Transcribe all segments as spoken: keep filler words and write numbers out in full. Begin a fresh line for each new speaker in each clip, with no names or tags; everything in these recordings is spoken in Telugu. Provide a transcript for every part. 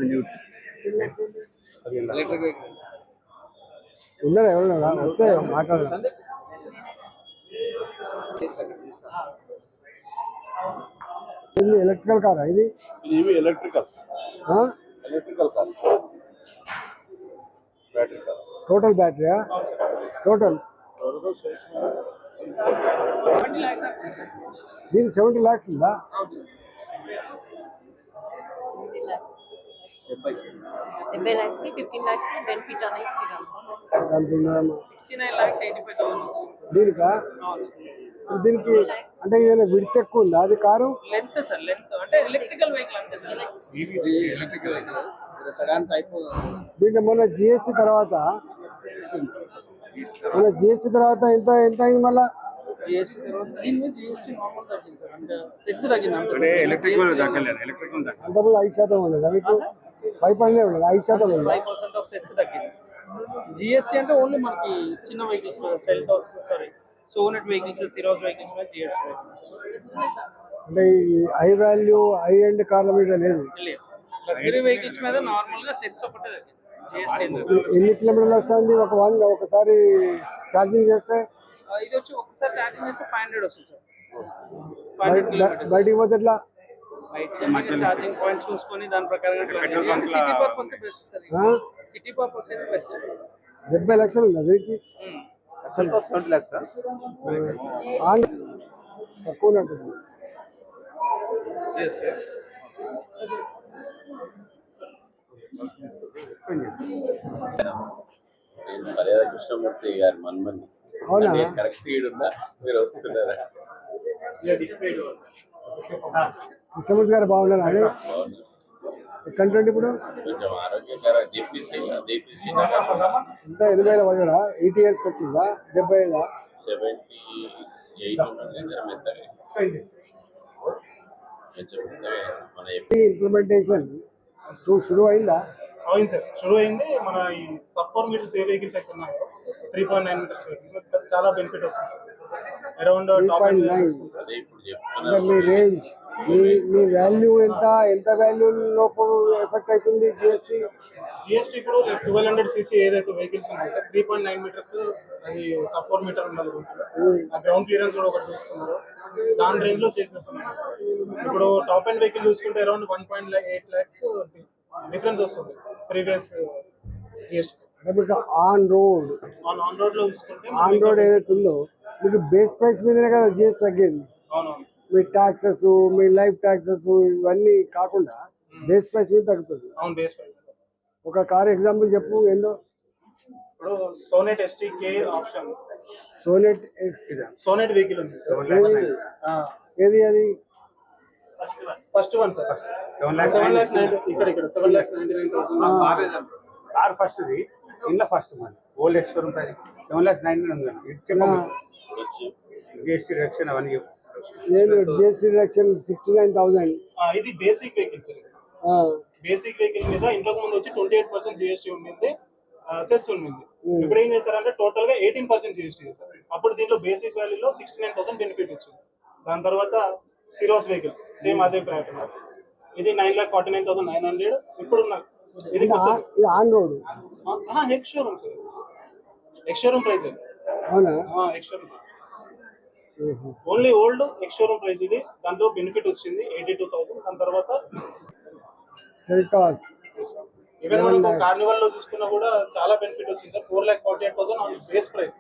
ఉన్నారా ఎవరన్నా వస్తే మాట్లాడదాం. ఇది ఎలక్ట్రికల్ కాదా ఇది?
ఇవి ఎలక్ట్రికల్ ఎలక్ట్రికల్ కాదు, బ్యాటరీ కాదు.
టోటల్ బ్యాటరీయా? టోటల్ దీనికి సెవెంటీ ల్యాక్స్ ఉందా?
డెబ్బై లాక్స్ కి ఫిఫ్టీన్ లాక్స్ బెనిఫిట్ అనేది
దీనికా? దీనికి అంటే ఏదైనా విడ్త్ ఎక్కువ ఉందా అది కారు?
లెంత్ సార్, లెంత్ అంటే ఎలక్ట్రికల్ వెహికల్ అంతే సార్.
Electrical sedan type.
దీంట్లో మొన్న జిఎస్టీ తర్వాత మొన్న జిఎస్టీ తర్వాత ఎంత ఎంత అయింది మళ్ళా?
జిఎస్టీ తర్వాత దీని మీద జిఎస్టీ నార్మల్ తగ్గింది సార్, అంటే సెస్ తగ్గింది అంతే.
ఎలక్ట్రికల్ తగ్గలేదు, ఎలక్ట్రికల్ తగ్గలేదు.
అంతకుముందు ఐదు శాతం ఉండదు మీకు, ఫైవ్ పర్సెంట్ ఉండదు, ఐదు శాతం ఉండదు.
ఫైవ్ పర్సెంట్ ఆఫ్ సెస్ తగ్గింది. జిఎస్టీ అంటే ఓన్లీ మనకి చిన్న వెహికల్స్ మీద, Seltos sorry Sonet vehicles, Syros vehicles మీద జిఎస్టీ
అంటే ఈ హై వాల్యూ హై ఎండ్ కార్ల మీద లేదు.
లగ్జరీ వెహికల్స్ మీద నార్మల్ గా సెస్ ఒకటే తగ్గింది. జిఎస్టీ
ఎన్ని కిలోమీటర్లు వస్తుంది ఒక వన్ ఒకసారి ఛార్జింగ్ చేస్తే?
ఇది వచ్చి ఒకసారి ఛార్జింగ్ చేస్తే ఫైవ్ హండ్రెడ్ వస్తుంది సార్. ఫైవ్ హండ్రెడ్ కిలోమీటర్స్
బయటికి పోతే ఎట్లా?
ఛార్జింగ్ పాయింట్ చూసుకొని దాని ప్రకారంగా city purpose best sir. City purpose అయితే బెస్ట్.
డెబ్బై లక్షలు ఉందా దీనికి?
సెవెంటీ ల్యాక్స్
తక్కువ ఉంటుంది.
నేను మర్యాద కృష్ణమూర్తి గారి మన్మని.
అవునా?
కరెక్ట్ ఉందా? మీరు వస్తున్నారా?
కృష్ణమూర్తి గారు బాగున్నారు అండి. ఎక్కడ ఇప్పుడు?
కొంచెం ఆరోగ్యకర జేపీసీ జేపీసీ
ఇంకా ఎనభై వేల పడడా? ఎయిటీ ఇయర్స్కి వచ్చిందా? డెబ్బై ఐదా?
సెవెంటీ ఎయిట్ మన
ఇంప్లిమెంటేషన్ షురు అయిందా?
అవును సార్, షురు అయింది. మన ఈ సబ్ ఫోర్ మీటర్స్ ఏ వెహికల్స్ అయితే ఉన్నాయో three point nine metres vehicle చాలా బెనిఫిట్ వస్తుంది. అరౌండ్ టాప్ అండ్
అదే ఇప్పుడు
అంటే
చెప్తున్నారు.
మీ రేంజ్, మీ మీ వాల్యూ ఎంత ఎంత వాల్యూ లోపు ఎఫెక్ట్ అవుతుంది జిఎస్టీ?
జిఎస్టీ ఇప్పుడు ట్వెల్వ్ హండ్రెడ్ సీసీ ఏదైతే వెహికల్స్ ఉన్నాయో sir, three point nine metres అది సబ్ ఫోర్ మీటర్ ఉండాలి. ఆ గ్రౌండ్ క్లియరెన్స్ కూడా ఒకటి చూస్తున్నారు, దాని రేంజ్ లో చేసేస్తున్నారు. ఇప్పుడు టాప్ అండ్ వెహికల్ చూసుకుంటే around one point eight lakhs difference వస్తుంది previous GST.
On road
on on road లో చూసుకుంటే
ఆన్ రోడ్ ఏదైతే ఉందో మీకు బేస్ ప్రైస్ మీదనే కదా జిఎస్టీ తగ్గింది.
అవునవును,
మీ ట్యాక్సెస్, మీ లైఫ్ ట్యాక్సెస్ ఇవన్నీ కాకుండా బేస్ ప్రైస్ మీద తగ్గుతుంది.
అవును, బేస్ ప్రైస్.
ఒక కార్ ఎగ్జాంపుల్ చెప్పు. ఏందో
ఇప్పుడు Sonet ST K option,
Sonet
Sonet vehicle ఉంది.
ఏది అది?
First one sir, seven lakhs ninety ఇక్కడ ఇక్కడ seven lakhs ninety nine thousand
car first ది ఇన్లో ఫస్ట్ మన ఓల్డ్ ఎక్స్పైర్ ఉంటుంది. Seven lakhs nine GST reduction అవన్నీ
నేను GST reduction sixty nine thousand.
ఇది basic vehicle sir. Basic vehicle మీద ఇంతకు ముందు వచ్చి ట్వంటీ ఎయిట్ పర్సెంట్ జిఎస్టీ ఉండింది, సెస్ ఉండింది. ఇప్పుడు ఏం చేశారంటే టోటల్ గా ఎయిటీన్ పర్సెంట్ జిఎస్టీ చేశారు. అప్పుడు దీంట్లో బేసిక్ వాల్యూలో సిక్స్టీ నైన్ థౌసండ్ బెనిఫిట్ వచ్చింది. దాని తర్వాత సిరోస్ వెహికల్ సేమ్ అదే ప్యాటర్న్, ఇది nine lakh forty nine thousand nine hundred ఇప్పుడు ఇది
on road
ex showroom sir, ex showroom price.
అవునా?
Ex showroom only old ex showroom price ఇది. దాంట్లో బెనిఫిట్ వచ్చింది ఎయిటీ టూ థౌసండ్. దాని తర్వాత
సెల్టాస్
ఈవెన్ మనకు కార్నివల్ లో చూసుకున్నా కూడా చాలా బెనిఫిట్ వచ్చింది sir. Four lakh forty eight thousand on base price.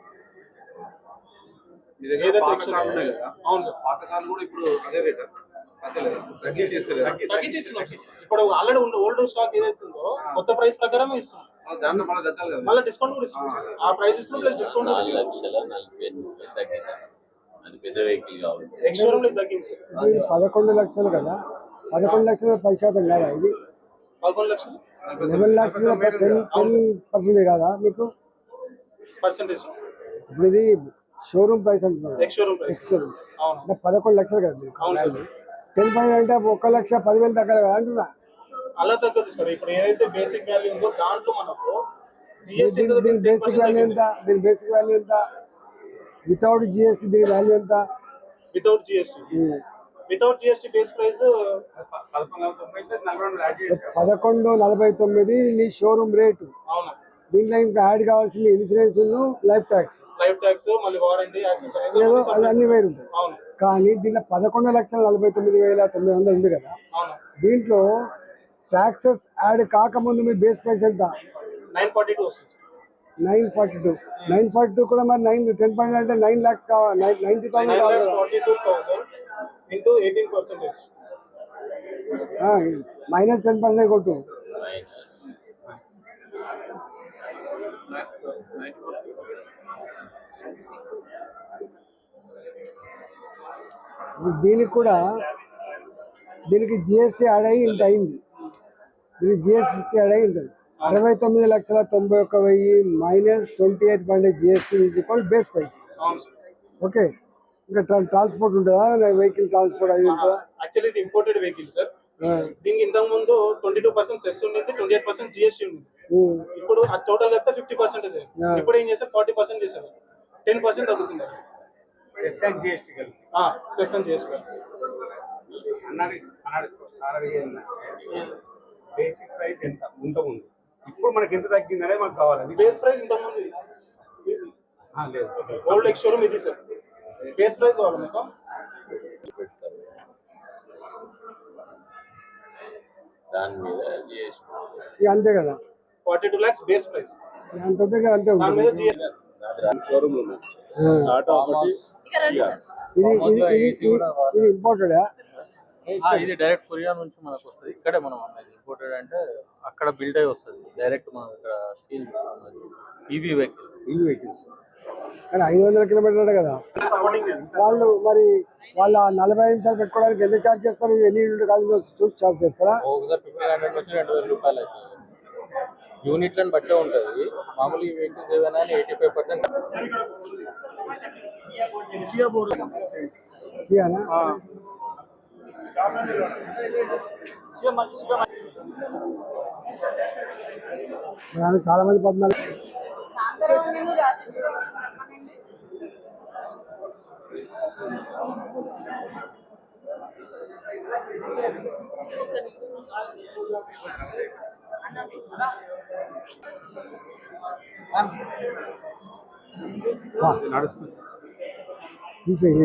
అవును సార్,
పాత కార్లు కూడా ఇప్పుడు అదే రేట్
తగ్గించేస్తున్నాం. ఇప్పుడు ఆల్రెడీ ఓల్డ్ స్టాక్ ఏదైతే ఉందో కొత్త ప్రైస్ ప్రకారమే ఇస్తున్నాం. మళ్ళీ డిస్కౌంట్ కూడా ఇస్తున్నాం. ఆ ప్రైస్ ఇస్తున్నాం ప్లస్ డిస్కౌంట్ కూడా ఇస్తున్నాం.
లక్షల నలభై ఎనిమిది వేలు తగ్గింది. అది పెద్ద వెహికల్ కావాలి.
ఎక్స్ షోరూమ్ లో తగ్గింది.
పదకొండు లక్షలు కదా, పదకొండు లక్షల పది శాతం కదా ఇది?
పదకొండు లక్షలు
eleven lakhs ten ten percent కదా మీకు
పర్సెంటేజ్.
ఇప్పుడు ఇది షోరూమ్ ప్రైస్ అంటున్నారు,
ex showroom price.
Ex showroom అంటే పదకొండు లక్షలు కదా మీకు. టెన్ పాయింట్ అంటే ఒక లక్ష పదివేలు తగ్గాలి కదా అంటున్నా.
అలా తగ్గదు సార్. ఇప్పుడు ఏదైతే బేసిక్ వాల్యూ ఉందో దాంట్లో మనకు
జిఎస్టీ బేసిక్ వాల్యూ ఎంత? దీని బేసిక్ వాల్యూ ఎంత? వితౌట్ జిఎస్టీ దీని వాల్యూ ఎంత?
Without GST without GST base price
పదకొండు వందల తొంభై ప్లస్ నలభై రెండు యాడ్ చేశారు.
పదకొండు నలభై తొమ్మిది నీ షోరూమ్ రేటు.
అవునా?
దీంట్లో ఇంకా యాడ్ కావాల్సింది insurance life tax
life tax మళ్ళీ వారంటీ యాక్సెసరీస్
ఏదో అవి అన్ని వేరు ఉంటాయి.
అవును
కానీ దీంట్లో పదకొండు లక్షల నలభై తొమ్మిది వేల తొమ్మిది వందలు ఉంది కదా,
అవును
దీంట్లో ట్యాక్సెస్ యాడ్ కాకముందు మీ బేస్ ప్రైస్ ఎంత?
నైన్ ఫార్టీ టూ వస్తుంది.
Nine forty two nine forty two కూడా మరి నైన్ టెన్ పాయింట్ అంటే నైన్ ల్యాక్స్ కావాలి, నైన్టీ థౌసండ్
నైన్
కావాలి
లాక్స్
కదా.
Forty two thousand into eighteen percentage
minus ten percent కొట్టు. దీనికి కూడా దీనికి జిఎస్టీ యాడ్ అయ్యి ఇంత అయింది. దీనికి జిఎస్టీ యాడ్ అయ్యి ఉంటుంది అరవై తొమ్మిది లక్షల తొంభై ఒక్క వెయ్యి minus twenty eight point GST is equal base price. Okay, ఇంకా ట్రాన్స్పోర్ట్ ఉంటుందా, వెహికల్ ట్రాన్స్పోర్ట్ అది ఉంటుందా?
యాక్చువల్లీ ఇది ఇంపోర్టెడ్ వెహికల్ సార్. దీనికి ఇంతకు ముందు ట్వంటీ టూ పర్సెంట్ సెస్ ఉండేది, ట్వంటీ ఎయిట్ పర్సెంట్ జిఎస్టీ ఉంది. ఇప్పుడు అది టోటల్ కలిపితే ఫిఫ్టీ పర్సెంటేజ్. ఇప్పుడు ఏం చేస్తారు, ఫార్టీ పర్సెంట్ చేశారు, టెన్ పర్సెంట్ తగ్గుతుంది.
సెస్ అండ్ జిఎస్టీ కలిపి
సెస్ అని చేస్తారు.
అన్నది బేసిక్ ప్రైస్ ఎంత ఇంత ఉంది, ఇప్పుడు మనకి ఎంత తగ్గింది అనేది మాకు కావాలి. అది
బేస్ ప్రైస్ ఇంతకు ముందు
ఆ, లేదు
ఓల్డ్ ఎక్స్ షోరూమ్ ఇది సార్. బేస్ ప్రైస్ కావాలి మీకు.
దాని మీద జిఎస్టీ
ఇక అంతే కదా,
forty two lakhs base price.
అంత ఉంటే ఇక అంతే
దాని మీద
ఉంటుంది.
జిఎస్టీ
షోరూమ్ ఉంది.
ఆ.
టాటా ఒకటి
ఇక్కడ రండి సార్.
ఇది ఇది ఇది ఇది ఇంపార్టెంట్.
ఇది డైరెక్ట్ కొరియా నుంచి మనకు వస్తుంది. ఇక్కడే మనం అన్నది ఇంపోర్టెడ్ అంటే అక్కడ బిల్డ్ అయి వస్తుంది డైరెక్ట్ మనం ఇక్కడ సీల్ ఈవీ వెహికల్.
ఇవి వెహికల్స్
కానీ ఐదు వందల కిలోమీటర్లు కదా
సపోర్టింగ్ చేస్తారు.
వాళ్ళు, మరి వాళ్ళ నలభై నిమిషాలు పెట్టుకోవడానికి ఎంత ఛార్జ్ చేస్తారు? ఎన్ని యూనిట్ కాదు చూసి ఛార్జ్ చేస్తారా?
ఒకసారి ఫిఫ్టీన్ హండ్రెడ్ నుంచి రెండు వేల రూపాయలు అవుతుంది. యూనిట్లను బట్టే ఉంటుంది. మామూలు ఈ వెహికల్స్ ఏవైనా ఎయిటీ ఫైవ్ పర్సెంట్
ఇయ్యానా? మరి చాలా మంది పద్నాలుగు
నడుస్తుంది.
తీసేయి.